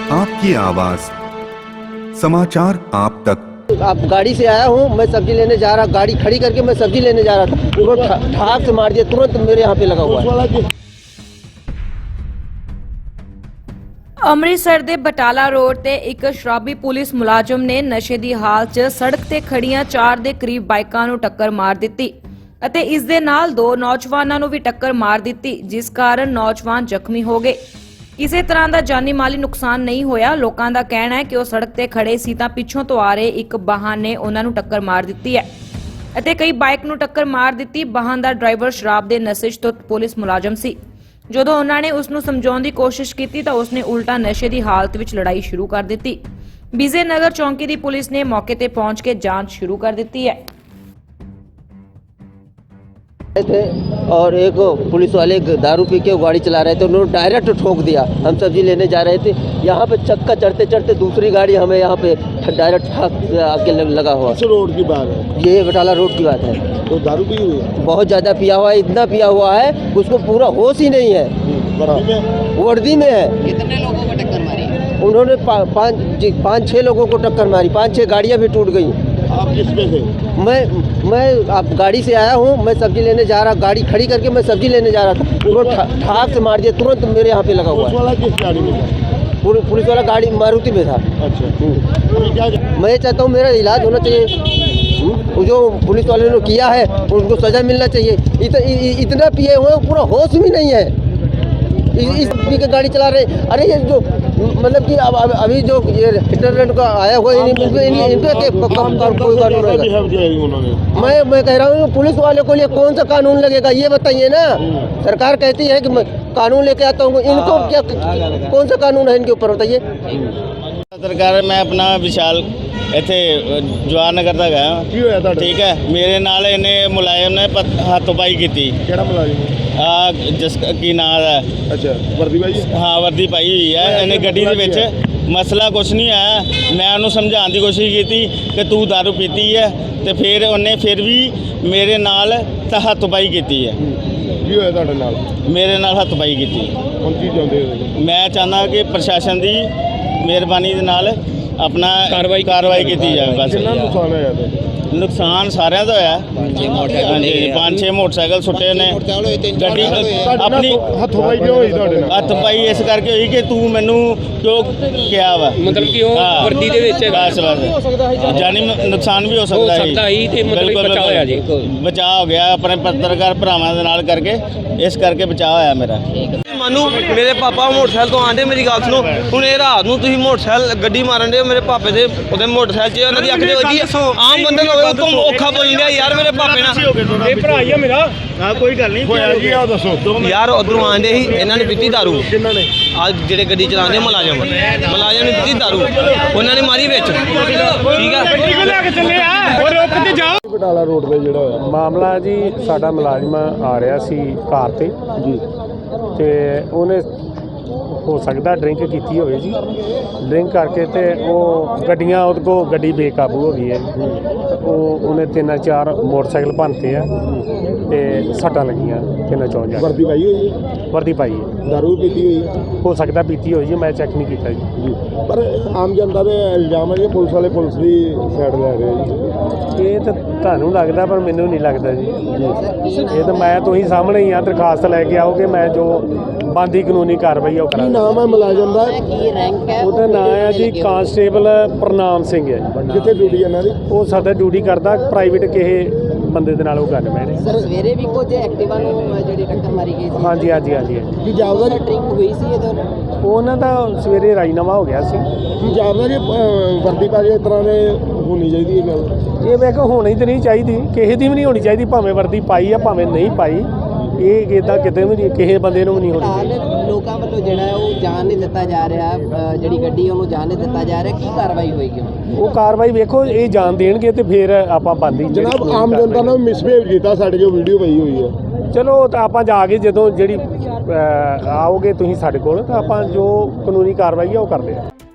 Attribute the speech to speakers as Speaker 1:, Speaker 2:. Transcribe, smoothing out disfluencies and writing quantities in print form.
Speaker 1: आपकी आवाज समाचार आप तक।
Speaker 2: आप गाड़ी से आया हूँ, मैं सब्जी लेने जा रहा, गाड़ी खड़ी करके मैं सब्जी लेने जा रहा था, तुरंत ठाक से मार दिया, तुरंत मेरे यहाँ पे लगा हुआ है।
Speaker 3: ਅੰਮ੍ਰਿਤਸਰ ਦੇ ਬਟਾਲਾ ਰੋਡ ਤੇ ਇੱਕ ਸ਼ਰਾਬੀ ਪੁਲਿਸ ਮੁਲਾਜ਼ਮ ਨੇ ਨਸ਼ੇ ਦੀ ਹਾਲਤ 'ਚ ਸੜਕ ਤੇ ਖੜੀਆਂ 4 ਦੇ ਕਰੀਬ ਬਾਈਕਾਂ ਨੂੰ ਟੱਕਰ ਮਾਰ ਦਿੱਤੀ ਅਤੇ ਇਸ ਦੇ ਨਾਲ 2 ਨੌਜਵਾਨਾਂ ਨੂੰ ਵੀ ਟੱਕਰ ਮਾਰ ਦਿੱਤੀ, ਜਿਸ ਕਾਰਨ ਨੌਜਵਾਨ ਜ਼ਖਮੀ ਹੋ ਗਏ। ਕਿਸੇ ਤਰ੍ਹਾਂ ਦਾ ਜਾਨੀ ਮਾਲੀ ਨੁਕਸਾਨ ਨਹੀਂ ਹੋਇਆ। ਲੋਕਾਂ ਦਾ ਕਹਿਣਾ ਹੈ ਕਿ ਉਹ ਸੜਕ ਤੇ ਖੜੇ ਸੀ ਤਾਂ ਪਿੱਛੋਂ ਤੋਂ ਆ ਰਹੇ ਇੱਕ ਵਾਹਨ ਨੇ ਉਹਨਾਂ ਨੂੰ ਟੱਕਰ ਮਾਰ ਦਿੱਤੀ ਹੈ ਅਤੇ ਕਈ ਬਾਈਕ ਨੂੰ ਟੱਕਰ ਮਾਰ ਦਿੱਤੀ। ਵਾਹਨ ਦਾ ਡਰਾਈਵਰ ਸ਼ਰਾਬ ਦੇ ਨਸ਼ੇ 'ਚ ਪੁਲਿਸ ਮੁਲਾਜ਼ਮ ਸੀ। ਜਦੋਂ ਉਹਨਾਂ ਨੇ ਉਸ ਨੂੰ ਸਮਝਾਉਣ ਦੀ ਕੋਸ਼ਿਸ਼ ਕੀਤੀ ਤਾਂ ਉਸਨੇ ਉਲਟਾ ਨਸ਼ੇ ਦੀ ਹਾਲਤ ਵਿੱਚ ਲੜਾਈ ਸ਼ੁਰੂ ਕਰ ਦਿੱਤੀ। ਵਿਜੇ ਨਗਰ ਚੌਂਕੀ ਦੀ ਪੁਲਿਸ ਨੇ ਮੌਕੇ ਤੇ पहुंच के ਜਾਂਚ शुरू कर दी है।
Speaker 2: थे और एक पुलिस वाले दारू पी के गाड़ी चला रहे थे, उन्होंने डायरेक्ट ठोक दिया। हम सब्जी लेने जा रहे थे, यहाँ पे चक्का चढ़ते चढ़ते दूसरी गाड़ी हमें यहाँ पे डायरेक्ट आके लगा हुआ।
Speaker 4: किस रोड की बात है?
Speaker 2: ये बटाला रोड की बात है।
Speaker 4: तो दारू पी हुई है?
Speaker 2: बहुत ज़्यादा पिया हुआ है, इतना पिया हुआ है उसको पूरा होश ही नहीं है। वर्दी में है।
Speaker 5: कितने लोगों को टक्कर मारी?
Speaker 2: उन्होंने 5-6 लोगों को टक्कर मारी, 5-6 गाड़ियाँ भी टूट गई।
Speaker 4: आप किस पे थे?
Speaker 2: मैं आप गाड़ी से आया हूँ, मैं सब्जी लेने जा रहा, गाड़ी खड़ी करके मैं सब्जी लेने जा रहा था, तुरंत ठाक से मार दिया, तुरंत मेरे यहाँ पे लगा हुआ
Speaker 4: पुलिस
Speaker 2: है।
Speaker 4: वाला किस गाड़ी में था?
Speaker 2: पुलिस वाला गाड़ी मारुति में था।
Speaker 4: अच्छा, अभी क्या
Speaker 2: मैं ये चाहता हूँ मेरा इलाज होना चाहिए। वो जो पुलिस वाले ने किया है उनको सज़ा मिलना चाहिए। इतना पिए हुए पूरा होश भी नहीं है, इस पी के गाड़ी चला रहे। अरे ये जो मतलब कि अब अभी जो ये इंटरनेट का आया हुआ है, इनको कोई कानून रहेगा? मैं कह रहा हूँ पुलिस वाले को लिए कौन सा कानून लगेगा ये बताइए ना। सरकार कहती है कि मैं कानून लेके आता हूँ, इनको क्या कौन सा कानून है इनके ऊपर बताइए।
Speaker 6: सरकार मैं अपना विशाल ਇੱਥੇ ਜਵਾਹਰ ਨਗਰ ਦਾ ਗਿਆ।
Speaker 4: ਕੀ ਹੋਇਆ ਤੁਹਾਡਾ?
Speaker 6: ਠੀਕ ਹੈ, ਮੇਰੇ ਨਾਲ ਇਹਨੇ ਮੁਲਾਜ਼ਮ ਨੇ ਹੱਥੋਂ-ਪਾਈ ਕੀਤੀ।
Speaker 4: ਕਿਹੜਾ ਮੁਲਾਜ਼ਮ?
Speaker 6: ਆ ਜਿਸ ਕੀ ਨਾਂ ਹੈ?
Speaker 4: ਅੱਛਾ, ਵਰਦੀ ਭਾਈ?
Speaker 6: ਹਾਂ, ਵਰਦੀ ਪਾਈ ਹੋਈ ਹੈ ਇਹਨੇ ਗੱਡੀ ਦੇ ਵਿੱਚ। ਮਸਲਾ ਕੁਛ ਨਹੀਂ ਆਇਆ, ਮੈਂ ਉਹਨੂੰ ਸਮਝਾਉਣ ਦੀ ਕੋਸ਼ਿਸ਼ ਕੀਤੀ ਕਿ ਤੂੰ ਦਾਰੂ ਪੀਤੀ ਹੈ ਤੇ ਫਿਰ ਉਹਨੇ ਫਿਰ ਵੀ ਮੇਰੇ ਨਾਲ ਤਾਂ ਹੱਥੋਂ-ਪਾਈ ਕੀਤੀ ਹੈ।
Speaker 4: ਕੀ ਹੋਇਆ ਤੁਹਾਡੇ ਨਾਲ?
Speaker 6: ਮੇਰੇ ਨਾਲ ਹੱਥੋਂ-ਪਾਈ ਕੀਤੀ।
Speaker 4: ਹੁਣ ਕੀ ਚਾਹੁੰਦੇ ਹੋ?
Speaker 6: ਮੈਂ ਚਾਹੁੰਦਾ ਕਿ ਪ੍ਰਸ਼ਾਸਨ ਦੀ ਮਿਹਰਬਾਨੀ ਦੇ ਨਾਲ ਆਪਣਾ ਕਾਰਵਾਈ ਕੀਤੀ ਜਾਵੇ। ਬਸ
Speaker 4: ਕਿੰਨਾ ਨੁਕਸਾਨ ਹੋਇਆ ਤੁਹਾਡਾ?
Speaker 6: ਨੁਕਸਾਨ ਸਾਰਿਆਂ ਦਾ ਹੋਇਆ। ਹਾਂਜੀ, 5-6 ਮੋਟਰਸਾਈਕਲ ਸੁੱਟੇ ਨੇ। ਗੱਡੀ ਆਪਣੀ
Speaker 4: ਹੱਥੋਂ ਪਾਈ ਕਿਉਂ ਹੋਈ ਤੁਹਾਡੇ ਨਾਲ?
Speaker 6: ਹੱਥ ਪਾਈ ਇਸ ਕਰਕੇ ਹੋਈ ਕਿ ਤੂੰ ਮੈਨੂੰ ਕਿਉਂ ਕਿਹਾ ਵਾ,
Speaker 7: ਮਤਲਬ ਕਿ ਉਹ ਵਰਦੀ ਦੇ ਵਿੱਚ
Speaker 6: ਬਸ ਜਾਨੀ ਨੁਕਸਾਨ ਵੀ ਹੋ ਸਕਦਾ
Speaker 7: ਸੀ ਤੇ ਮਤਲਬ ਬਚਾਅ ਹੋਇਆ ਜੀ।
Speaker 6: ਬਚਾਅ ਹੋ ਗਿਆ ਆਪਣੇ ਪੱਤਰਕਾਰ ਭਰਾਵਾਂ ਦੇ ਨਾਲ ਕਰਕੇ, ਇਸ ਕਰਕੇ ਬਚਾਅ ਹੋਇਆ ਮੇਰਾ।
Speaker 8: ਮਾਨੂੰ ਮੇਰੇ ਪਾਪਾ ਮੋਟਰਸਾਈਕਲ ਤੋਂ ਆਂਦੇ, ਮੇਰੀ ਗੱਲ ਸੁਣੋ, ਹੁਣ ਇਹ ਰਾਤ ਨੂੰ ਤੁਸੀਂ ਮੋਟਰਸਾਈਕਲ ਗੱਡੀ ਮਾਰਨ ਦੇ ਮੇਰੇ ਪਾਪੇ ਦੇ ਉਹਦੇ ਮੋਟਰਸਾਈਕਲ 'ਚ ਉਹਨਾਂ ਦੀ ਅੱਖ ਦੇ ਵੱਜੀ। ਆਮ ਬੰਦੇ ਨੂੰ ਹੋਵੇ ਉਤੋਂ ਔਖਾ ਬੋਲ ਰਿਹਾ ਯਾਰ ਮੇਰੇ ਪਾਪੇ ਨਾਲ।
Speaker 6: ਇਹ ਭਰਾ ਹੀ ਆ ਮੇਰਾ। ਹਾਂ, ਕੋਈ ਗੱਲ ਨਹੀਂ
Speaker 4: ਹੋਇਆ ਜੀ, ਆ ਦੱਸੋ।
Speaker 8: ਯਾਰ ਉਧਰੋਂ ਆਂਦੇ ਸੀ, ਇਹਨਾਂ ਨੇ ਪੀਤੀ ਦਾਰੂ।
Speaker 4: ਕਿੰਨਾਂ ਨੇ?
Speaker 8: ਅੱਜ ਜਿਹੜੇ ਗੱਡੀ ਚਲਾਉਂਦੇ ਮੁਲਾਜ਼ਮ ਨੇ ਪੀਤੀ ਦਾਰੂ, ਉਹਨਾਂ ਨੇ ਮਾਰੀ ਵਿੱਚ। ਠੀਕ ਆ,
Speaker 4: ਬਟਾਲਾ ਰੋਡ ਤੇ ਜਿਹੜਾ ਹੋਇਆ
Speaker 9: ਮਾਮਲਾ ਜੀ, ਸਾਡਾ ਮੁਲਾਜ਼ਮ ਆ ਰਿਹਾ ਸੀ ਕਾਰ ਤੇ
Speaker 4: ਜੀ,
Speaker 9: ਤੇ ਉਹਨੇ ਹੋ ਸਕਦਾ ਡਰਿੰਕ ਕੀਤੀ ਹੋਵੇ ਜੀ। ਡਰਿੰਕ ਕਰਕੇ ਤੇ ਉਹ ਗੱਡੀਆਂ ਉਹਦੇ ਕੋਲ ਗੱਡੀ ਬੇਕਾਬੂ ਹੋ ਗਈ ਹੈ। ਉਹਨੇ 3-4 ਮੋਟਰਸਾਈਕਲ ਭੰਨਤੇ ਆ ਤੇ ਸੱਟਾਂ ਲੱਗੀਆਂ 3-4
Speaker 4: ਵਰਦੀ ਪਾਈ ਹੋਈ ਹੈ?
Speaker 9: ਵਰਦੀ ਪਾਈ ਹੈ।
Speaker 4: ਦਾਰੂ ਵੀ ਪੀਤੀ ਹੋਈ ਹੈ?
Speaker 9: ਹੋ ਸਕਦਾ ਪੀਤੀ ਹੋਈ ਜੀ, ਮੈਂ ਚੈੱਕ ਨਹੀਂ ਕੀਤਾ ਜੀ।
Speaker 4: ਪਰ ਆਮ ਜਨਤਾ ਦੇ ਇਲਜ਼ਾਮ ਹੈ ਕਿ ਪੁਲਿਸ ਵਾਲੇ ਪੁਲਿਸ ਦੀ ਸਾਈਡ ਲੈ ਰਹੇ ਜੀ।
Speaker 9: ਇਹ ਤਾਂ ਤੁਹਾਨੂੰ ਲੱਗਦਾ, ਪਰ ਮੈਨੂੰ ਨਹੀਂ ਲੱਗਦਾ ਜੀ। ਇਹ ਤਾਂ ਮੈਂ ਤੁਸੀਂ ਸਾਹਮਣੇ ਹੀ ਆ, ਦਰਖਾਸਤ ਲੈ ਕੇ ਆਓਗੇ, ਮੈਂ ਜੋ ਬਣਦੀ ਕਾਨੂੰਨੀ ਕਾਰਵਾਈ ਉਹ
Speaker 4: ਕੀ
Speaker 9: ਕਰਾਂਗਾ।
Speaker 4: ਨਾਮ ਹੈ ਮੁਲਾਜ਼ਮ ਦਾ?
Speaker 5: ਕੀ ਰੈਂਕ ਹੈ?
Speaker 9: ਉਹਦਾ ਨਾਮ ਹੈ ਜੀ ਕਾਂਸਟੇਬਲ ਪ੍ਰਨਾਮ ਸਿੰਘ ਹੈ।
Speaker 4: ਕਿੱਥੇ ਡਿਊਟੀ ਇਹਨਾਂ ਦੀ?
Speaker 9: ਉਹ ਸਾਡਾ ਡਿਊਟੀ ਕਰਦਾ ਪ੍ਰਾਈਵੇਟ ਕਿਸੇ ਬੰਦੇ ਦੇ ਨਾਲ ਉਹ ਗੱਲ ਮੈਂ
Speaker 5: ਸਰ ਸਵੇਰੇ ਵੀ ਕੁਝ ਐਕਟਿਵਾ ਨੂੰ ਜਿਹੜੀ ਟੱਕਰ ਮਾਰੀ ਗਈ ਸੀ।
Speaker 9: ਹਾਂਜੀ।
Speaker 4: ਕੀ ਜਾਪਦਾ ਜੀ?
Speaker 5: ਡਰਿੰਕ ਹੋਈ ਸੀ ਇਹਦੇ?
Speaker 9: ਉਹਨਾਂ ਦਾ ਸਵੇਰੇ ਰਾਜੀਨਾਮਾ ਹੋ ਗਿਆ ਸੀ।
Speaker 4: ਕੀ ਜਾਪਦਾ ਜੀ ਵਰਦੀ ਪਾ ਕੇ ਇਸ ਤਰ੍ਹਾਂ ਦੇ ਹੋਣੀ ਚਾਹੀਦੀ ਇਹ ਗੱਲ?
Speaker 9: ਇਹ ਮੈਂ ਕਿਹਾ ਹੋਣੀ ਤਾਂ ਨਹੀਂ ਚਾਹੀਦੀ, ਕਿਸੇ ਦੀ ਵੀ ਨਹੀਂ ਹੋਣੀ ਚਾਹੀਦੀ, ਭਾਵੇਂ ਵਰਦੀ ਪਾਈ ਆ ਭਾਵੇਂ ਨਹੀਂ ਪਾਈ। ਇਹ ਇੱਦਾਂ ਕਿਤੇ ਵੀ ਨਹੀਂ, ਕਿਸੇ ਬੰਦੇ ਨੂੰ ਵੀ ਨਹੀਂ ਹੋਣੀ ਚਾਹੀਦੀ।
Speaker 5: ਲੋਕਾਂ ਵੱਲੋਂ ਜਿਹੜਾ ਉਹ ਜਾਣ ਨਹੀਂ ਦਿੱਤਾ ਜਾ ਰਿਹਾ, ਜਿਹੜੀ ਗੱਡੀ ਉਹਨੂੰ ਜਾਣ ਨਹੀਂ ਦਿੱਤਾ ਜਾ ਰਿਹਾ, ਕੀ ਕਾਰਵਾਈ ਹੋਏਗੀ?
Speaker 9: ਉਹ ਕਾਰਵਾਈ ਵੇਖੋ, ਇਹ ਜਾਣ ਦੇਣਗੇ ਤੇ ਫਿਰ ਆਪਾਂ ਬੰਦੀ।
Speaker 4: ਜਨਾਬ, ਆਮ ਜਨਤਾ ਨੇ ਮਿਸਬਿਹੇਵ ਕੀਤਾ ਸਾਡੇ ਜੋ ਵੀਡੀਓ ਪਈ ਹੋਈ ਹੈ।
Speaker 9: ਚਲੋ ਤਾਂ ਆਪਾਂ ਜਾ ਕੇ ਜਦੋਂ ਜਿਹੜੀ ਆਓਗੇ ਤੁਸੀਂ ਸਾਡੇ ਕੋਲ, ਤਾਂ ਆਪਾਂ ਜੋ ਕਾਨੂੰਨੀ ਕਾਰਵਾਈ ਆ ਉਹ ਕਰਦੇ ਆ।